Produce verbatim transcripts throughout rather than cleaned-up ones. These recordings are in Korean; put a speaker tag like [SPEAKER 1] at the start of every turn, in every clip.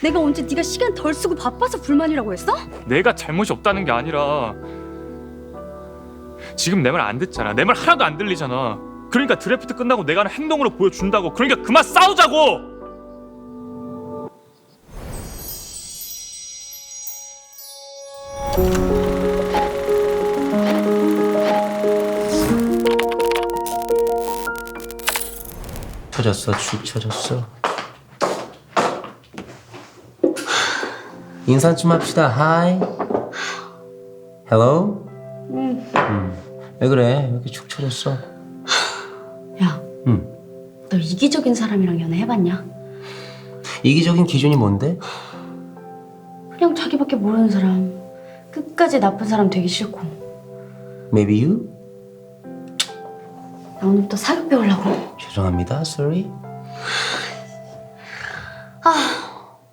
[SPEAKER 1] 내가 언제 네가 시간 덜 쓰고 바빠서 불만이라고 했어?
[SPEAKER 2] 내가 잘못이 없다는 게 아니라 지금 내 말 안 듣잖아. 내 말 하나도 안 들리잖아. 그러니까 드래프트 끝나고 내가 하는 행동으로 보여준다고. 그러니까 그만 싸우자고.
[SPEAKER 3] 쳐졌어, 죽 쳐졌어. 인사 좀 합시다. 하이. 헬로.
[SPEAKER 1] 응.
[SPEAKER 3] 음. 왜 그래? 왜 이렇게 축 쳐졌어?
[SPEAKER 1] 야,
[SPEAKER 3] 음.
[SPEAKER 1] 너 이기적인 사람이랑 연애해봤냐?
[SPEAKER 3] 이기적인 기준이 뭔데?
[SPEAKER 1] 그냥 자기밖에 모르는 사람, 끝까지 나쁜 사람 되기 싫고.
[SPEAKER 3] Maybe you?
[SPEAKER 1] 나 오늘부터 사육 배우려고.
[SPEAKER 3] 죄송합니다. Sorry.
[SPEAKER 1] 아,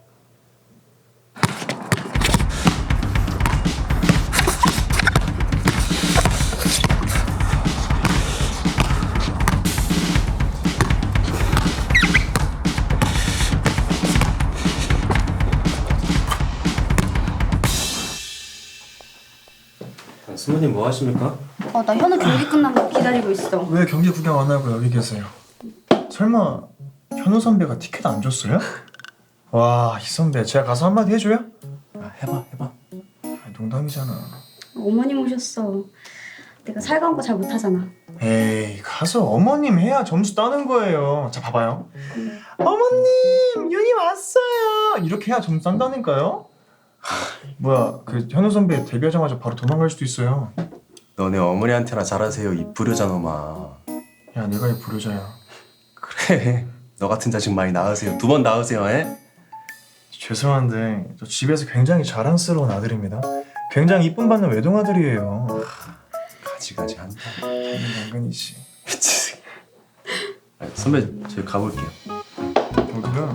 [SPEAKER 3] 스모님 뭐 하십니까?
[SPEAKER 1] 어, 나 현우 경기 끝난 거 기다리고 있어.
[SPEAKER 4] 왜 경기 구경 안 하고 여기 계세요? 설마 현우 선배가 티켓 안 줬어요? 와, 이 선배 제가 가서 한마디 해줘요?
[SPEAKER 3] 아, 해봐, 해봐.
[SPEAKER 4] 아, 농담이잖아.
[SPEAKER 1] 어머님 오셨어. 내가 살가운 거 잘 못하잖아.
[SPEAKER 4] 에이, 가서 어머님 해야 점수 따는 거예요. 자, 봐봐요. 어머님, 윤이 왔어요. 이렇게 해야 점수 딴다니까요? 하, 뭐야, 그 현우 선배 데뷔하자마자 바로 도망갈 수도 있어요.
[SPEAKER 5] 너네 어머니한테나 잘하세요, 이 불효자 놈아.
[SPEAKER 4] 야, 내가 이 불효자야.
[SPEAKER 5] 그래, 너 같은 자식 많이 낳으세요. 두 번 낳으세요, 에?
[SPEAKER 4] 죄송한데 저 집에서 굉장히 자랑스러운 아들입니다. 굉장히 이쁨 받는 외동아들이에요.
[SPEAKER 5] 가지가지 한다.
[SPEAKER 4] 당연히 당근이지.
[SPEAKER 5] 미치. 선배, 저희 가볼게요.
[SPEAKER 4] 어디가?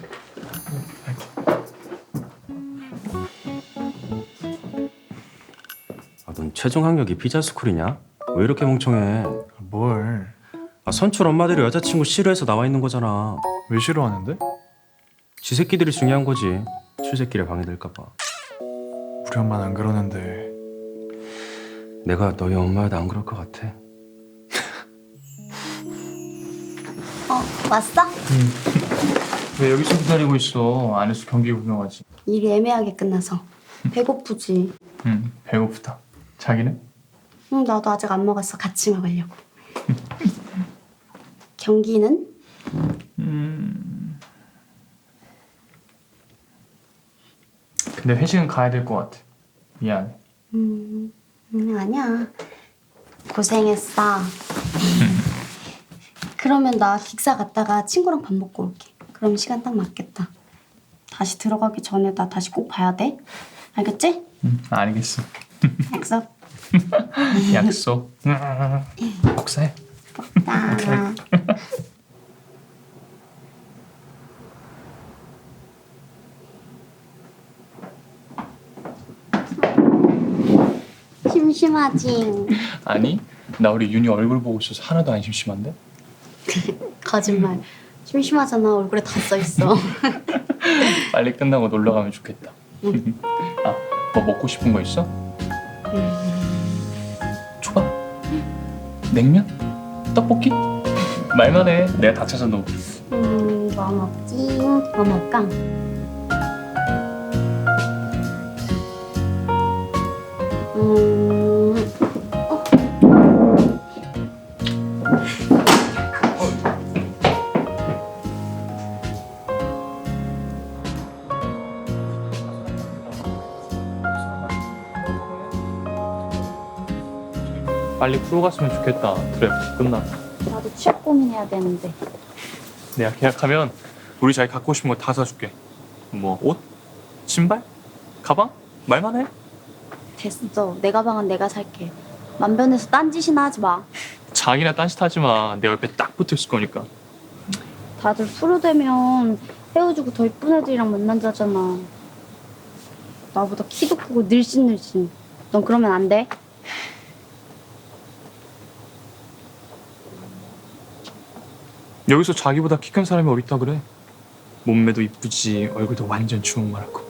[SPEAKER 5] 아, 넌 최종 학력이 피자스쿨이냐? 왜 이렇게 멍청해?
[SPEAKER 4] 뭘?
[SPEAKER 5] 아, 선출 엄마들이 여자친구 싫어해서 나와 있는 거잖아.
[SPEAKER 4] 왜 싫어하는데?
[SPEAKER 5] 지 새끼들이 중요한 거지. 출새끼를 방해될까 봐.
[SPEAKER 4] 우리 엄마는 안 그러는데.
[SPEAKER 5] 내가 너희 엄마여도 안 그럴 것 같아.
[SPEAKER 1] 어, 왔어?
[SPEAKER 2] 왜 여기서 기다리고 있어? 안에서 경기 구경하지.
[SPEAKER 1] 일이 애매하게 끝나서. 배고프지?
[SPEAKER 2] 응, 배고프다. 자기는?
[SPEAKER 1] 응, 나도 아직 안 먹었어. 같이 먹으려고. 경기는?
[SPEAKER 2] 음. 근데 회식은 가야 될 것 같아. 미안해.
[SPEAKER 1] 음, 음, 아니야. 고생했어. 그러면 나 기사 갔다가 친구랑 밥 먹고 올게. 그럼 시간 딱 맞겠다. 다시 들어가기 전에 나 다시 꼭 봐야 돼. 알겠지?
[SPEAKER 2] 응, 알겠어.
[SPEAKER 1] 약속.
[SPEAKER 2] 약속. 복사해.
[SPEAKER 1] 나. 심심하지?
[SPEAKER 2] 아니, 나 우리 윤이 얼굴 보고 있어서 하나도 안 심심한데?
[SPEAKER 1] 거짓말. 심심하잖아. 얼굴에 다 써있어.
[SPEAKER 2] 빨리 끝나고 놀러 가면 좋겠다.
[SPEAKER 1] 응.
[SPEAKER 2] 아, 뭐 먹고 싶은 거 있어? 초밥? 냉면? 떡볶이? 말만 해. 내가 다 찾아 놓을게.
[SPEAKER 1] 음, 뭐 먹지? 뭐 먹을까? 음, 어.
[SPEAKER 2] 빨리 프로 갔으면 좋겠다. 드래프트 끝나.
[SPEAKER 1] 나도 취업 고민해야 되는데.
[SPEAKER 2] 내가 계약하면 우리 자기 갖고 싶은 거 다 사줄게. 뭐 옷? 신발? 가방? 말만 해.
[SPEAKER 1] 됐어. 내 가방은 내가 살게. 만변해서 딴짓이나 하지 마.
[SPEAKER 2] 자기나 딴짓 하지 마. 내 옆에 딱 붙어 있을 거니까.
[SPEAKER 1] 다들 프로 되면 헤어지고 더 이쁜 애들이랑 만난다잖아. 나보다 키도 크고 늘씬늘씬. 넌 그러면 안 돼?
[SPEAKER 2] 여기서 자기보다 키 큰 사람이 어딨다 그래? 몸매도 이쁘지 얼굴도 완전 주먹만하고.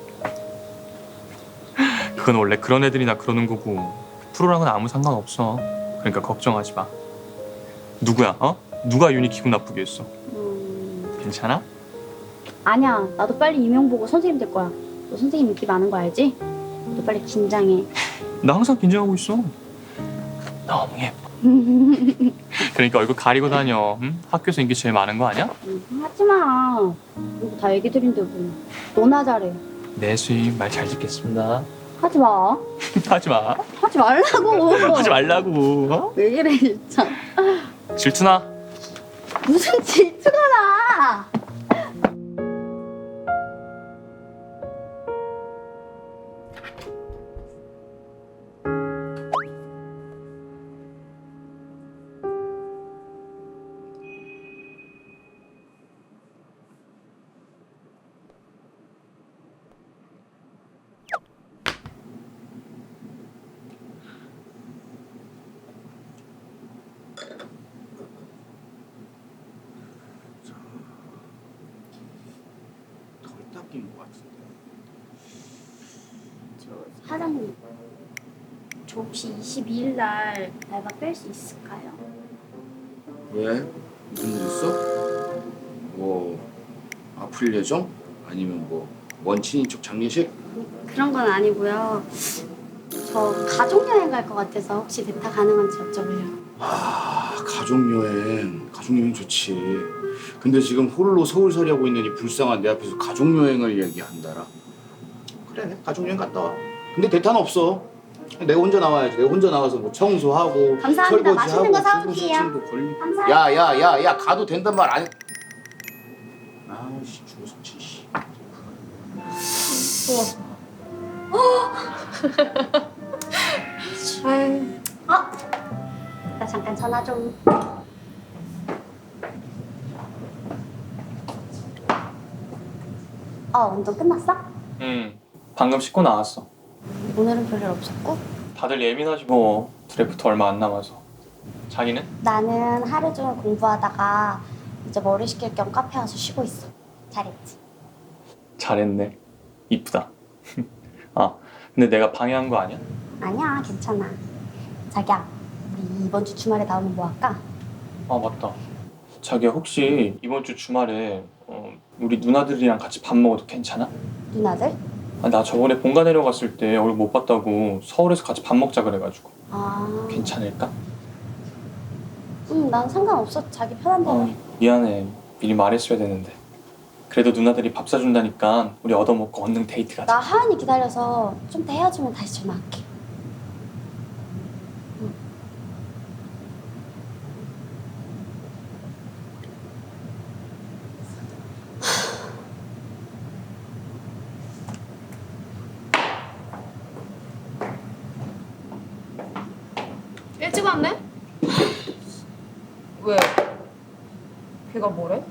[SPEAKER 2] 그건 원래 그런 애들이나 그러는 거고 프로랑은 아무 상관없어. 그러니까 걱정하지 마. 누구야? 어? 누가 윤희 기분 나쁘게 했어?
[SPEAKER 1] 음...
[SPEAKER 2] 괜찮아?
[SPEAKER 1] 아니야. 나도 빨리 임용 보고 선생님 될 거야. 너 선생님 인기 많은 거 알지? 너 빨리 긴장해.
[SPEAKER 2] 나 항상 긴장하고 있어. 너무 예뻐. 그러니까 얼굴 가리고 다녀. 응? 학교에서 인기 제일 많은 거 아니야?
[SPEAKER 1] 음, 하지 마. 이거 다 애기들인데 뭐. 너나 잘해.
[SPEAKER 2] 네, 수임 말 잘 듣겠습니다.
[SPEAKER 1] 하지 마.
[SPEAKER 2] 하지 마.
[SPEAKER 1] 하지 말라고.
[SPEAKER 2] 하지 말라고. 어?
[SPEAKER 1] 왜 그래 진짜.
[SPEAKER 2] 질투나?
[SPEAKER 1] 무슨 질투가 나.
[SPEAKER 6] 덜 닦인 것 같은데.
[SPEAKER 1] 저 사장님. 저 혹시 이십이 일 날 알바 뺄 수 있을까요?
[SPEAKER 6] 왜? 무슨 일 있어? 뭐 아플 예정? 아니면 뭐 먼 친인척 장례식?
[SPEAKER 1] 그런 건 아니고요. 저 가족 여행 갈 것 같아서 혹시 대타 가능한지 여쭤보려고.
[SPEAKER 6] 아 가족여행 가족여행 좋지. 근데 지금 홀로 서울살이 하고 있는 이 불쌍한 내 앞에서 가족여행을 얘기한다라. 그래 가족여행 갔다 와. 근데 대타는 없어. 내가 혼자 나와야지. 내가 혼자 나와서 뭐 청소하고
[SPEAKER 1] 감사합니다.
[SPEAKER 6] 설거지하고
[SPEAKER 1] 맛있는 거
[SPEAKER 6] 주부
[SPEAKER 1] 사올게요.
[SPEAKER 6] 시침도 걸리고.
[SPEAKER 1] 감사합니다.
[SPEAKER 6] 야야야야 가도 된단 말 아니. 아씨 주부석진 씨.
[SPEAKER 1] 아유. 어? 나 잠깐 전화 좀. 어, 운동 끝났어?
[SPEAKER 2] 응. 방금 씻고 나왔어.
[SPEAKER 1] 오늘은 별일 없었고?
[SPEAKER 2] 다들 예민하지 뭐. 드래프트 얼마 안 남아서. 자기는?
[SPEAKER 1] 나는 하루 종일 공부하다가 이제 머리 식힐 겸 카페 와서 쉬고 있어. 잘했지?
[SPEAKER 2] 잘했네. 이쁘다. 아, 근데 내가 방해한 거 아니야?
[SPEAKER 1] 아니야, 괜찮아. 자기야, 우리 이번 주 주말에 나오면 뭐 할까?
[SPEAKER 2] 아, 맞다. 자기야, 혹시 이번 주 주말에 어, 우리 누나들이랑 같이 밥 먹어도 괜찮아?
[SPEAKER 1] 누나들?
[SPEAKER 2] 아, 나 저번에 본가 내려갔을 때 얼굴 못 봤다고 서울에서 같이 밥 먹자 그래가지고.
[SPEAKER 1] 아,
[SPEAKER 2] 괜찮을까?
[SPEAKER 1] 응, 난 상관없어. 자기 편한 대로
[SPEAKER 2] 어,
[SPEAKER 1] 해.
[SPEAKER 2] 미안해. 미리 말했어야 되는데. 그래도 누나들이 밥 사준다니까 우리 얻어먹고 얼른 데이트 가자.
[SPEAKER 1] 나 하은이 기다려서 좀 더 헤어지면 다시 전화할게. 응.
[SPEAKER 7] 일찍 왔네? 왜? 걔가 뭐래?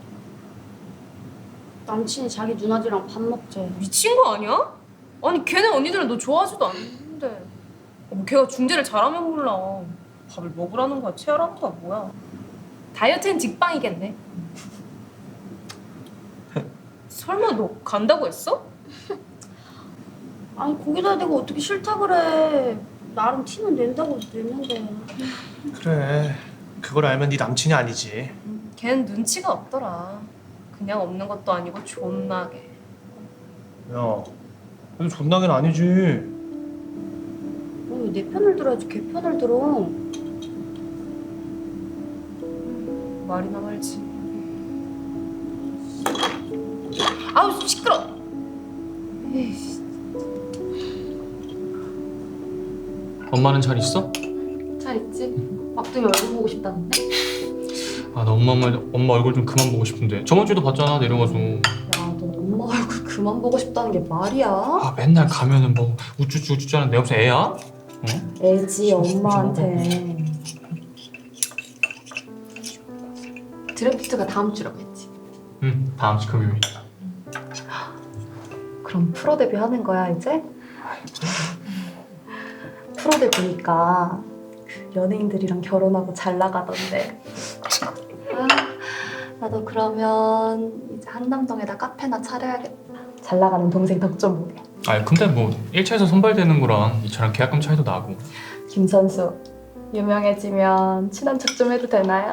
[SPEAKER 1] 남친이 자기 누나들이랑 밥 먹재.
[SPEAKER 7] 미친 거 아니야? 아니 걔네 언니들은 너 좋아하지도 않는데 뭐 걔가 중재를 잘하면 몰라. 밥을 먹으라는 거야? 체하라는 거야? 뭐야? 다이어트엔 직방이겠네. 설마 너 간다고 했어?
[SPEAKER 1] 아니 거기다 대고 어떻게 싫다 그래. 나름 티는 낸다고 냈는데.
[SPEAKER 8] 그래, 그걸 알면 네 남친이 아니지.
[SPEAKER 7] 걔는 눈치가 없더라. 그냥 없는 것도 아니고 존나게.
[SPEAKER 8] 야, 그래도 존나긴 아니지.
[SPEAKER 1] 왜 내 편을 들어야지 걔 편을 들어.
[SPEAKER 7] 말이나 말지. 아우 시끄러. 에이씨.
[SPEAKER 2] 엄마는 잘 있어?
[SPEAKER 7] 잘 있지? 막둥이 얼굴 보고 싶다는데?
[SPEAKER 2] 아, 나 엄마, 엄마, 엄마 얼굴 좀 그만 보고 싶은데. 저번 주에도 봤잖아, 내려가서.
[SPEAKER 7] 야, 너 엄마 얼굴 그만 보고 싶다는 게 말이야?
[SPEAKER 2] 아, 맨날 가면은 뭐 우쭈쭈 우쭈쭈 하는 내 옆에 애야? 응?
[SPEAKER 7] 애지 엄마한테. 드래프트가 다음 주라고 했지.
[SPEAKER 2] 응, 다음 주 금요일.
[SPEAKER 7] 그럼 프로 데뷔 하는 거야 이제? 프로 데뷔니까 그 연예인들이랑 결혼하고 잘 나가던데. 아,
[SPEAKER 9] 나도 그러면 이제 한남동에다 카페나 차려야겠다. 잘 나가는 동생 덕 좀 보게.
[SPEAKER 2] 아니 근데 뭐 일 차에서 선발되는 거랑 이 차랑 계약금 차이도 나고.
[SPEAKER 9] 김 선수 유명해지면 친한 척 좀 해도 되나요?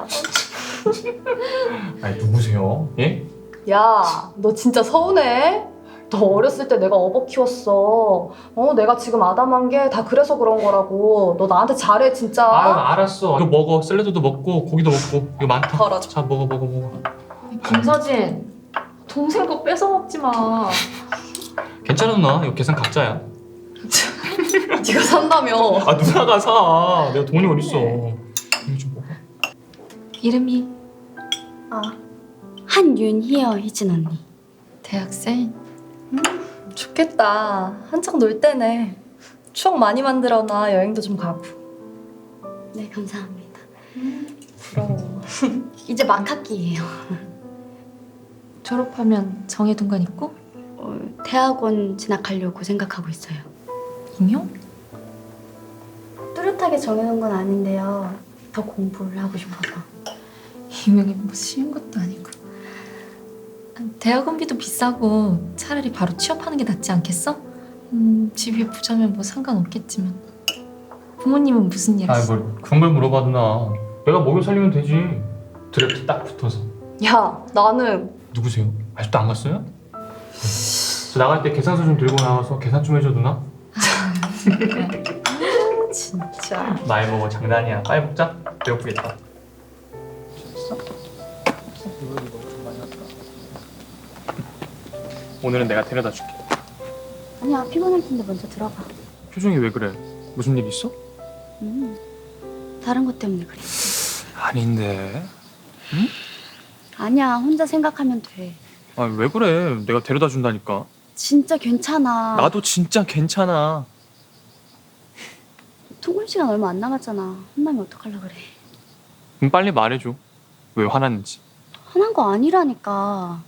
[SPEAKER 2] 아니 누구세요? 예?
[SPEAKER 9] 야, 너 진짜 서운해? 너 어렸을 때 내가 업어 키웠어. 어, 내가 지금 아담한 게 다 그래서 그런 거라고. 너 나한테 잘해 진짜.
[SPEAKER 2] 아 알았어. 이거 먹어. 샐러드도 먹고 고기도 먹고. 이거 많다.
[SPEAKER 9] 덜어줘.
[SPEAKER 2] 자 먹어 먹어 먹어.
[SPEAKER 9] 김서진, 동생 거 뺏어 먹지 마.
[SPEAKER 2] 괜찮아 누나. 이거 계산 각자야.
[SPEAKER 9] 네가 산다며.
[SPEAKER 2] 아 누나가 사. 내가 돈이 어딨어. 이거 좀 먹어.
[SPEAKER 10] 이름이
[SPEAKER 9] 아,
[SPEAKER 1] 한윤희요, 희진 언니.
[SPEAKER 10] 대학생?
[SPEAKER 9] 음, 좋겠다. 한창 놀 때네. 추억 많이 만들어놔. 여행도 좀 가고.
[SPEAKER 1] 네, 감사합니다.
[SPEAKER 9] 부러워.
[SPEAKER 1] 이제 막 학기예요.
[SPEAKER 10] 졸업하면 정해둔 건 있고?
[SPEAKER 1] 어, 대학원 진학하려고 생각하고 있어요.
[SPEAKER 10] 임용?
[SPEAKER 1] 뚜렷하게 정해놓은 건 아닌데요. 더 공부를 하고 싶어서.
[SPEAKER 10] 임용이 뭐 쉬운 것도 아니고. 대학원비도 비싸고 차라리 바로 취업하는 게 낫지 않겠어? 음, 집이 부자면 뭐 상관없겠지만. 부모님은 무슨 일
[SPEAKER 2] 아이
[SPEAKER 10] 하시어?
[SPEAKER 2] 뭘 그런 걸 물어봐 누나. 내가 먹여 살리면 되지. 드래프트 딱 붙어서.
[SPEAKER 9] 야, 나는
[SPEAKER 2] 누구세요? 아직도 안 갔어요? 저 나갈 때 계산서 좀 들고 나와서 계산 좀 해줘 누나.
[SPEAKER 9] 진짜.
[SPEAKER 2] 많이 먹어. 장난이야. 빨리 먹자. 배고프겠다. 오늘은 내가 데려다 줄게.
[SPEAKER 1] 아니야, 피곤할 텐데 먼저 들어가.
[SPEAKER 2] 표정이 왜 그래? 무슨 일 있어?
[SPEAKER 1] 음, 다른 것 때문에 그래.
[SPEAKER 2] 아닌데.
[SPEAKER 1] 아니야, 혼자 생각하면 돼.
[SPEAKER 2] 아 왜 그래? 내가 데려다 준다니까.
[SPEAKER 1] 진짜 괜찮아.
[SPEAKER 2] 나도 진짜 괜찮아.
[SPEAKER 1] 통금 시간 얼마 안 남았잖아. 혼나면 어떡하려 그래.
[SPEAKER 2] 그럼 빨리 말해줘. 왜 화났는지.
[SPEAKER 1] 화난 거 아니라니까.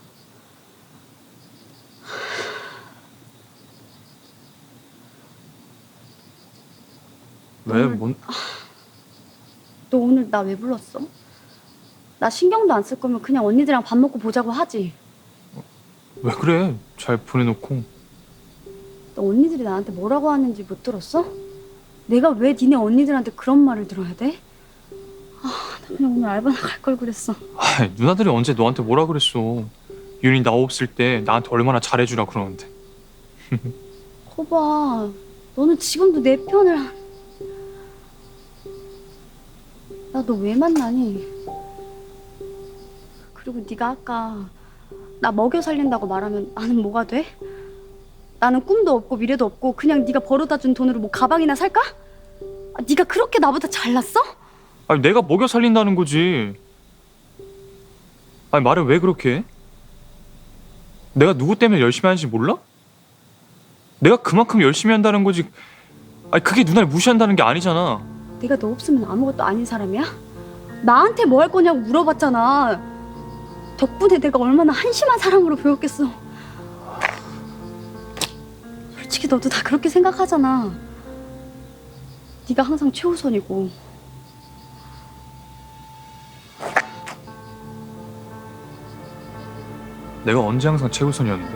[SPEAKER 2] 왜?
[SPEAKER 1] 오늘-
[SPEAKER 2] 뭔?
[SPEAKER 1] 너 오늘 나 왜 불렀어? 나 신경도 안 쓸 거면 그냥 언니들이랑 밥 먹고 보자고 하지.
[SPEAKER 2] 왜 그래? 잘 보내놓고.
[SPEAKER 1] 너 언니들이 나한테 뭐라고 하는지 못 들었어? 내가 왜 니네 언니들한테 그런 말을 들어야 돼? 아, 나 그냥 오늘 알바 나갈 걸 그랬어.
[SPEAKER 2] 아 누나들이 언제 너한테 뭐라 그랬어. 윤이 나 없을 때 나한테 얼마나 잘해주라 그러는데.
[SPEAKER 1] 거봐, 너는 지금도 내 편을 한... 나 너 왜 만나니? 그리고 네가 아까 나 먹여 살린다고 말하면 나는 뭐가 돼? 나는 꿈도 없고 미래도 없고 그냥 네가 벌어다 준 돈으로 뭐 가방이나 살까? 아, 네가 그렇게 나보다 잘났어?
[SPEAKER 2] 아니 내가 먹여 살린다는 거지. 아니 말을 왜 그렇게 해? 내가 누구 때문에 열심히 하는지 몰라? 내가 그만큼 열심히 한다는 거지. 아니 그게 누나를 무시한다는 게 아니잖아.
[SPEAKER 1] 내가 너 없으면 아무것도 아닌 사람이야? 나한테 뭐 할 거냐고 물어봤잖아. 덕분에 내가 얼마나 한심한 사람으로 보였겠어. 솔직히 너도 다 그렇게 생각하잖아. 네가 항상 최우선이고.
[SPEAKER 2] 내가 언제 항상 최우선이었는데?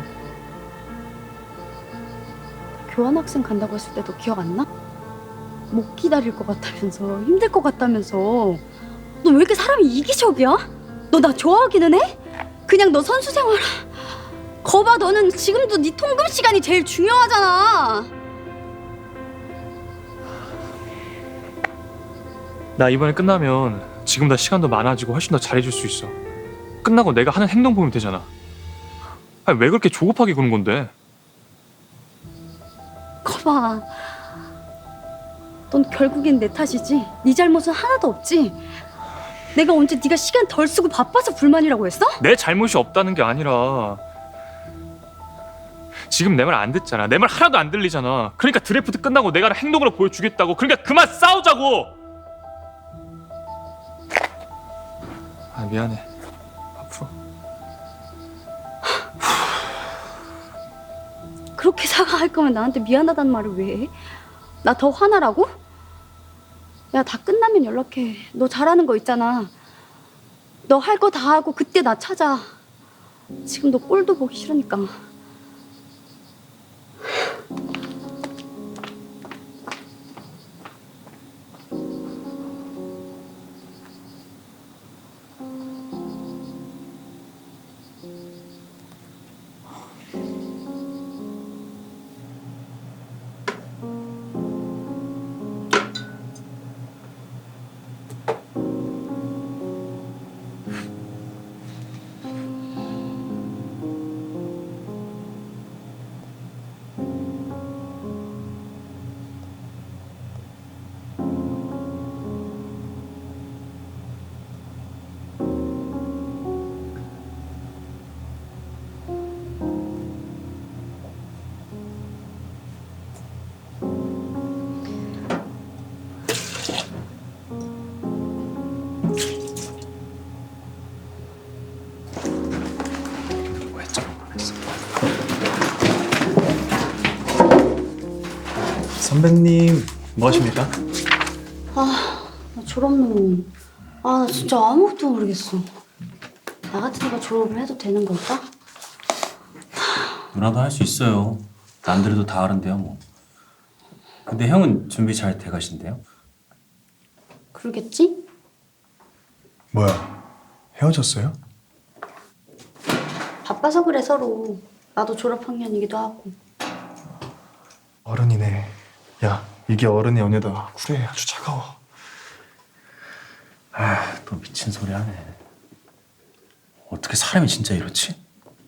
[SPEAKER 1] 교환학생 간다고 했을 때 너 기억 안 나? 못 기다릴 것 같다면서, 힘들 것 같다면서. 너 왜 이렇게 사람이 이기적이야? 너 나 좋아하기는 해? 그냥 너 선수 생활. 거봐, 너는 지금도 네 통금 시간이 제일 중요하잖아.
[SPEAKER 2] 나 이번에 끝나면 지금보다 시간도 많아지고 훨씬 더 잘해줄 수 있어. 끝나고 내가 하는 행동 보면 되잖아. 아니 왜 그렇게 조급하게 구는 건데?
[SPEAKER 1] 거봐, 넌 결국엔 내 탓이지. 네 잘못은 하나도 없지. 내가 언제 네가 시간 덜 쓰고 바빠서 불만이라고 했어?
[SPEAKER 2] 내 잘못이 없다는 게 아니라 지금 내 말 안 듣잖아. 내 말 하나도 안 들리잖아. 그러니까 드래프트 끝나고 내가 행동으로 보여주겠다고. 그러니까 그만 싸우자고. 아 미안해. 앞으로
[SPEAKER 1] 그렇게 사과할 거면 나한테 미안하다는 말을 왜 해? 나 더 화나라고? 야, 다 끝나면 연락해. 너 잘하는 거 있잖아. 너 할 거 다 하고 그때 나 찾아. 지금 너 꼴도 보기 싫으니까.
[SPEAKER 4] 선배님 뭐 하십니까?
[SPEAKER 1] 아, 나 졸업논문. 아, 나 진짜 아무것도 모르겠어. 나 같은 애가 졸업을 해도 되는 걸까?
[SPEAKER 3] 누나도 할 수 있어요. 남들도 다 하는데요 뭐. 근데 형은 준비 잘 돼가신대요?
[SPEAKER 1] 그러겠지?
[SPEAKER 4] 뭐야, 헤어졌어요?
[SPEAKER 1] 바빠서 그래, 서로. 나도 졸업 학년이기도 하고.
[SPEAKER 4] 어른이네. 야, 이게 어른의 연애다. 그래, 아주 차가워.
[SPEAKER 3] 아, 또 미친 소리 하네. 어떻게 사람이 진짜 이렇지?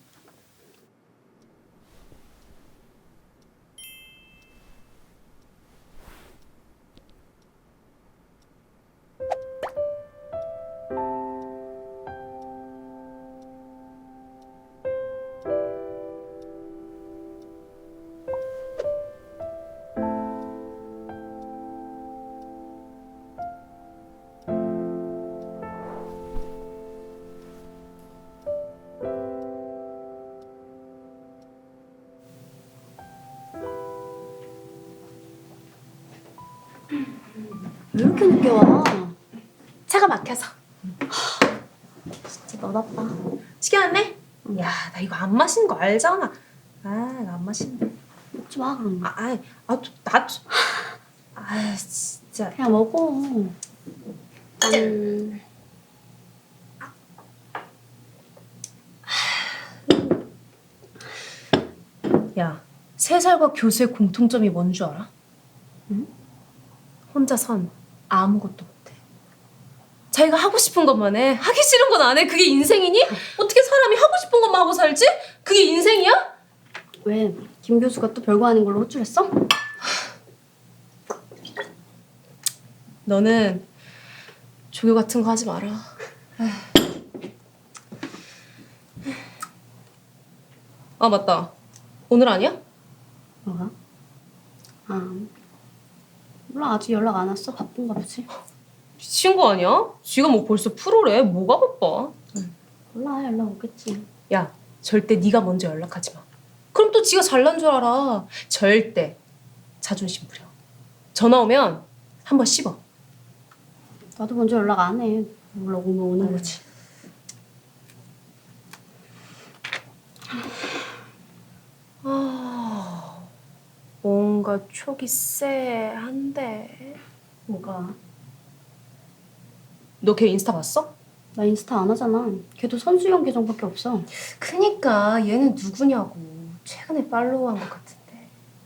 [SPEAKER 1] 왜 이렇게 늦게 와?
[SPEAKER 7] 차가 막혀서.
[SPEAKER 1] 진짜 너답다.
[SPEAKER 7] 시계 왔네? 야, 나 이거 안 마시는 거 알잖아. 아, 나 안 마신다.
[SPEAKER 1] 먹지 마, 그럼.
[SPEAKER 7] 아, 아, 아, 또, 나, 좀- 아, 진짜.
[SPEAKER 1] 그냥 먹어. 음,
[SPEAKER 7] 야, 세 살과 교수의 공통점이 뭔 줄 알아?
[SPEAKER 1] 응?
[SPEAKER 7] 혼자선 아무것도 못해. 자기가 하고 싶은 것만 해. 하기 싫은 건 안 해. 그게 인생이니? 어떻게 사람이 하고 싶은 것만 하고 살지? 그게 인생이야?
[SPEAKER 1] 왜? 김 교수가 또 별거 아닌 걸로 호출했어?
[SPEAKER 7] 너는 조교 같은 거 하지 마라. 아, 맞다. 오늘 아니야?
[SPEAKER 1] 뭐가? 아, 몰라. 아직 연락 안 왔어. 바쁜가 보지.
[SPEAKER 7] 미친 거 아니야? 지가 뭐 벌써 프로래. 뭐가 바빠?
[SPEAKER 1] 몰라. 연락 오겠지.
[SPEAKER 7] 야, 절대 네가 먼저 연락하지 마. 그럼 또 지가 잘난 줄 알아. 절대. 자존심 부려. 전화 오면 한번 씹어.
[SPEAKER 1] 나도 먼저 연락 안 해. 몰라. 오면 오는 거지.
[SPEAKER 7] 아, 뭔가 촉이 쎄한데.
[SPEAKER 1] 뭐가?
[SPEAKER 7] 너 걔 인스타 봤어?
[SPEAKER 1] 나 인스타 안 하잖아. 걔도 선수용 계정밖에 없어.
[SPEAKER 7] 그니까 얘는 누구냐고. 최근에 팔로우한 것 같은데.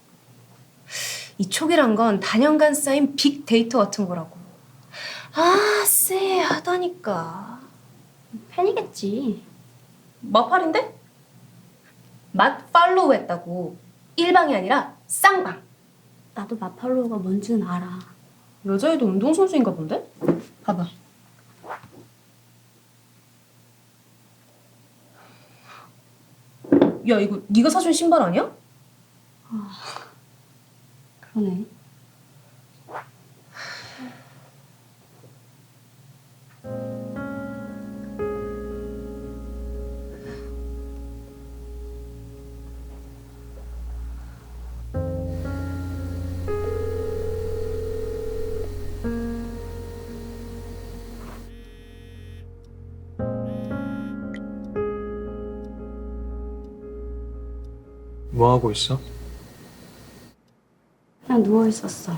[SPEAKER 7] 이 촉이란 건 단연간 쌓인 빅데이터 같은 거라고. 아, 쎄하다니까.
[SPEAKER 1] 팬이겠지.
[SPEAKER 7] 마팔인데? 맛 팔로우 했다고. 일방이 아니라 쌍방.
[SPEAKER 1] 나도 마팔로우가 뭔지는 알아.
[SPEAKER 7] 여자애도 운동선수인가 본데?
[SPEAKER 1] 봐봐.
[SPEAKER 7] 야, 이거 네가 사준 신발 아니야?
[SPEAKER 1] 그러네.
[SPEAKER 2] 뭐 하고 있어?
[SPEAKER 1] 그냥 누워 있었어.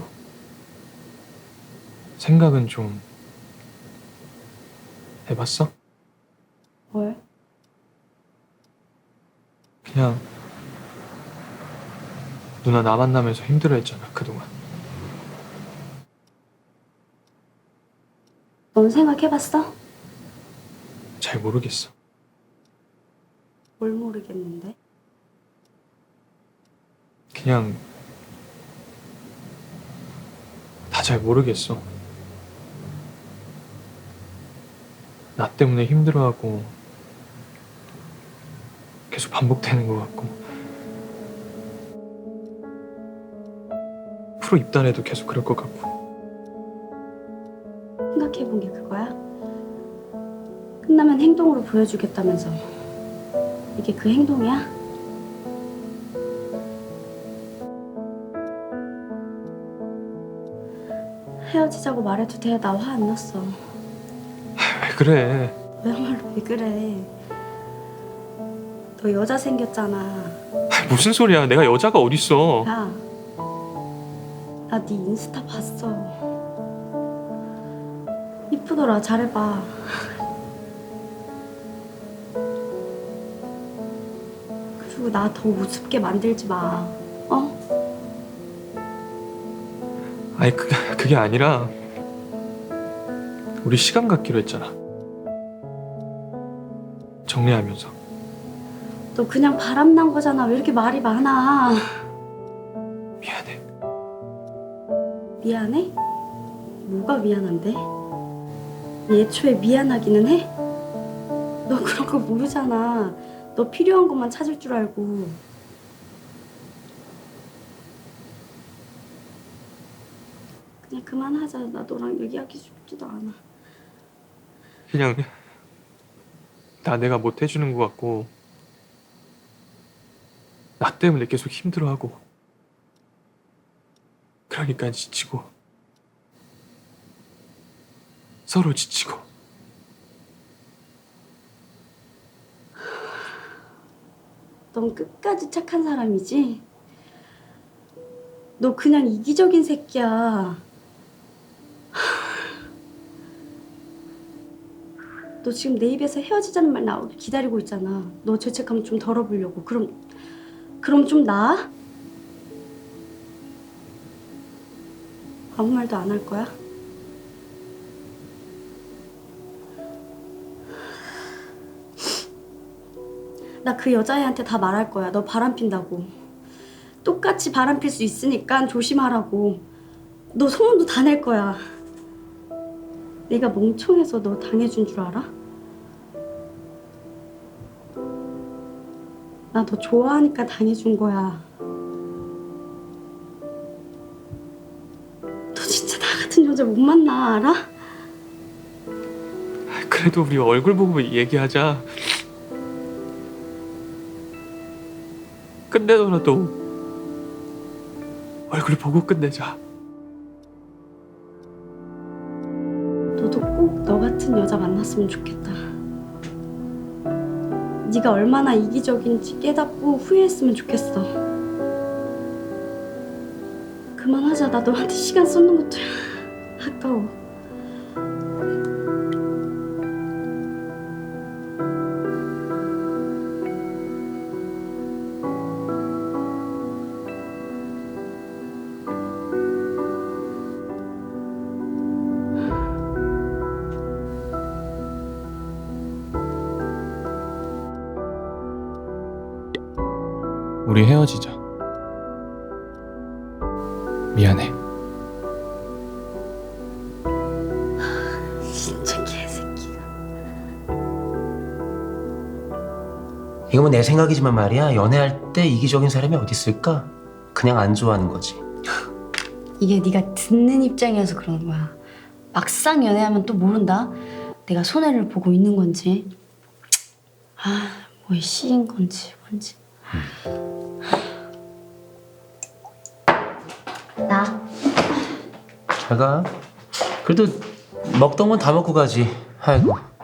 [SPEAKER 2] 생각은 좀 해봤어?
[SPEAKER 1] 뭘?
[SPEAKER 2] 그냥 누나 나 만나면서 힘들어했잖아 그동안.
[SPEAKER 1] 넌 생각해봤어?
[SPEAKER 2] 잘 모르겠어.
[SPEAKER 1] 뭘 모르겠는데?
[SPEAKER 2] 그냥 다 잘 모르겠어. 나 때문에 힘들어하고 계속 반복되는 것 같고 프로 입단해도 계속 그럴 것 같고.
[SPEAKER 1] 생각해본 게 그거야? 끝나면 행동으로 보여주겠다면서. 이게 그 행동이야? 헤어지자고 말해도 돼. 나 화 안 났어.
[SPEAKER 2] 왜 그래?
[SPEAKER 1] 왜말로 왜 그래? 너 여자 생겼잖아.
[SPEAKER 2] 무슨 소리야? 내가 여자가 어딨어?
[SPEAKER 1] 야, 나 네 인스타 봤어. 이쁘더라. 잘해봐. 그리고 나 더 우습게 만들지 마. 어?
[SPEAKER 2] 아니 그, 그게 아니라 우리 시간 갖기로 했잖아. 정리하면서.
[SPEAKER 1] 너 그냥 바람난 거잖아. 왜 이렇게 말이 많아?
[SPEAKER 2] 미안해.
[SPEAKER 1] 미안해? 뭐가 미안한데? 애초에 미안하기는 해? 너 그런 거 모르잖아. 너 필요한 것만 찾을 줄 알고. 그냥 그만하자. 나 너랑 얘기하기 쉽지도 않아.
[SPEAKER 2] 그냥 나 내가 못 해주는 것 같고 나 때문에 계속 힘들어하고 그러니까 지치고 서로 지치고.
[SPEAKER 1] 넌 끝까지 착한 사람이지? 너 그냥 이기적인 새끼야. 너 지금 내 입에서 헤어지자는 말 나오길 기다리고 있잖아. 너 죄책감 좀 덜어보려고. 그럼 그럼 좀 나아? 아무 말도 안 할 거야? 나 그 여자애한테 다 말할 거야. 너 바람 핀다고. 똑같이 바람 필 수 있으니까 조심하라고. 너 소문도 다 낼 거야. 내가 멍청해서 너 당해준 줄 알아? 나 너 좋아하니까 당해준 거야. 너 진짜 나 같은 여자 못 만나, 알아?
[SPEAKER 2] 그래도 우리 얼굴 보고 얘기하자. 끝내더라도 얼굴 보고 끝내자.
[SPEAKER 1] 너도 꼭 너 같은 여자 만났으면 좋겠다. 네가 얼마나 이기적인지 깨닫고 후회했으면 좋겠어. 그만하자. 나 너한테 시간 쏟는 것도 아까워.
[SPEAKER 2] 우리 헤어지자. 미안해.
[SPEAKER 1] 진짜 개새끼가.
[SPEAKER 5] 이거 뭐 내 생각이지만 말이야. 연애할 때 이기적인 사람이 어디 있을까? 그냥 안 좋아하는 거지.
[SPEAKER 1] 이게 네가 듣는 입장이어서 그러는 거야. 막상 연애하면 또 모른다. 내가 손해를 보고 있는 건지, 아, 뭐에 씌인 건지 뭔지. 나
[SPEAKER 5] 잘 가. 그래도 먹던 건 다 먹고 가지. 아이고.